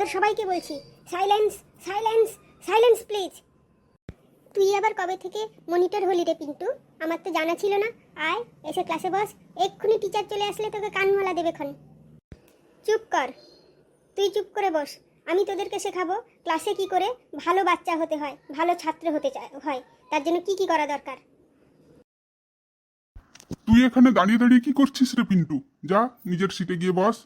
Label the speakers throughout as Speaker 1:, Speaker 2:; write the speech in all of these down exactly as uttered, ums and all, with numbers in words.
Speaker 1: এবার সবাইকে বলছি, সাইলেন্স সাইলেন্স সাইলেন্স প্লিজ। তুই আবার কবে থেকে মনিটর হলি রে পিন্টু? আমার তো জানা ছিল না। আয় এসে ক্লাসে বস, এক্ষুনি টিচার চলে আসলে তোকে কানমালা দেবে খন। চুপ কর, তুই চুপ করে বস। আমি তোদেরকে শেখাবো ক্লাসে কি করে ভালো বাচ্চা হতে হয়, ভালো ছাত্র হতে হয়, তার জন্য কি কি করা দরকার।
Speaker 2: তুই এখানে দাঁড়িয়ে দাঁড়িয়ে কি করছিস রে পিন্টু? যা নিজের সিটে গিয়ে বস।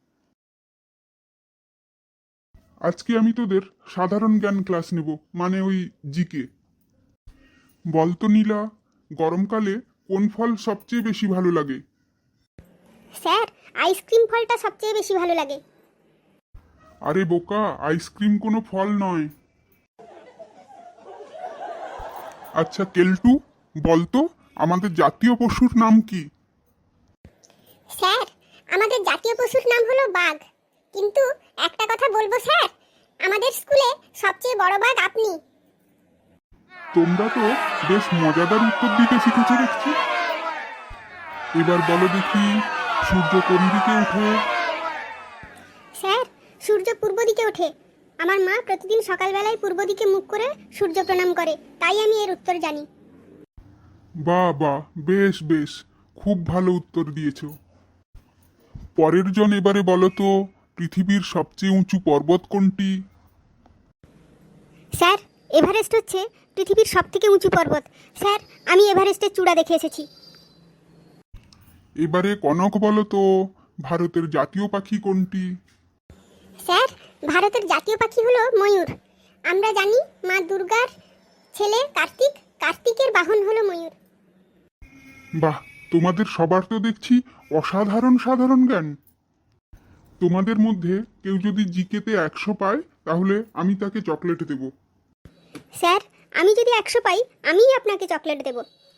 Speaker 2: আজকে আমি তোদের সাধারণ জ্ঞান ক্লাস নেব, মানে ওই জিকে। বলতো নীলা, গরমকালে কোন ফল সবচেয়ে বেশি ভালো লাগে?
Speaker 1: স্যার, আইসক্রিম ফলটা সবচেয়ে বেশি ভালো লাগে।
Speaker 2: আরে বোকা, আইসক্রিম কোনো ফল নয়। আচ্ছা কেলটু, বলতো আমাদের জাতীয় পশুর নাম কি?
Speaker 1: স্যার, আমাদের জাতীয় পশুর নাম হলো বাঘ। কিন্তু একটা কথা বলবো স্যার, আমাদের স্কুলে সবচেয়ে বড় বাঘ আপনি।
Speaker 2: তোমরা তো বেশ মজাদার উত্তর দিতে শিখেছো দেখছি। এবার বলো দেখি, সূর্য কোন দিকে ওঠে?
Speaker 1: স্যার, সূর্য পূর্ব দিকে ওঠে। আমার মা প্রতিদিন সকালবেলায় পূর্ব দিকে মুখ করে সূর্য প্রণাম করে, তাই আমি এর উত্তর জানি।
Speaker 2: বাহ বাহ, বেশ বেশ, খুব ভালো উত্তর দিয়েছো। পরের জন এবারে বলো তো, পৃথিবীর সবচেয়ে উঁচু পর্বত কোনটি?
Speaker 1: স্যার, এভারেস্ট হচ্ছে পৃথিবীর সবথেকে উঁচু পর্বত। স্যার, আমি এভারেস্টের চূড়া দেখে এসেছি।
Speaker 2: এবারে কনক বলো তো, ভারতের জাতীয় পাখি কোনটি?
Speaker 1: স্যার, ভারতের জাতীয় পাখি হলো ময়ূর। আমরা জানি মা দুর্গার ছেলে কার্তিক, কার্তিকের বাহন হলো ময়ূর।
Speaker 2: বাহ, তোমাদের সবার তো দেখছি অসাধারণ সাধারণ জ্ঞান। তোমাদের মধ্যে কেউ যদি জিকেতে একশো পায়, তাহলে আমি তাকে চকলেট দেব।
Speaker 1: স্যার, আমি যদি একশো পাই, আমিই আপনাকে চকলেট দেব।